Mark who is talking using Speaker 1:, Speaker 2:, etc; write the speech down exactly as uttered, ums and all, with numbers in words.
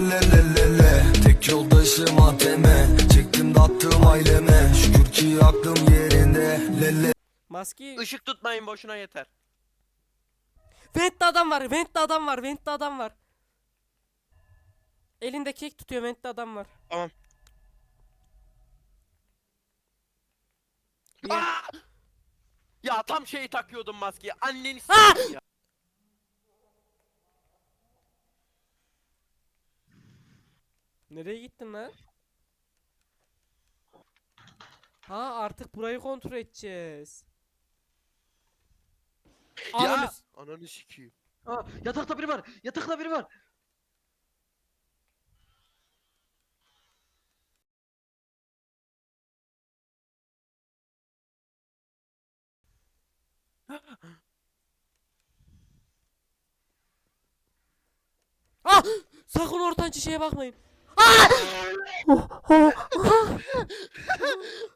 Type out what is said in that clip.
Speaker 1: Le le le le. Tek yoldaşım A T M. Çektim dağıttım aileme. Şükür ki aklım yerinde. Le le.
Speaker 2: Maske.
Speaker 3: Işık tutmayın boşuna yeter.
Speaker 2: Vent'te adam var. Vent'te adam var. Vent'te adam var. Elinde kek tutuyor. Vent'te adam var.
Speaker 3: Tamam.
Speaker 2: Niye?
Speaker 3: Aa! Ya tam şeyi takıyordum maskeyi. Anneni
Speaker 2: Aa!
Speaker 3: s**eyim ya.
Speaker 2: Nereye gittin lan? Ha artık burayı kontrol edeceğiz. Ananı
Speaker 3: Ya
Speaker 2: s-
Speaker 3: ananı sikeyim.
Speaker 4: Aa, yatakta biri var. Yatakta biri var.
Speaker 2: Ah! Sakın ortancı şeye bakmayın. Ah!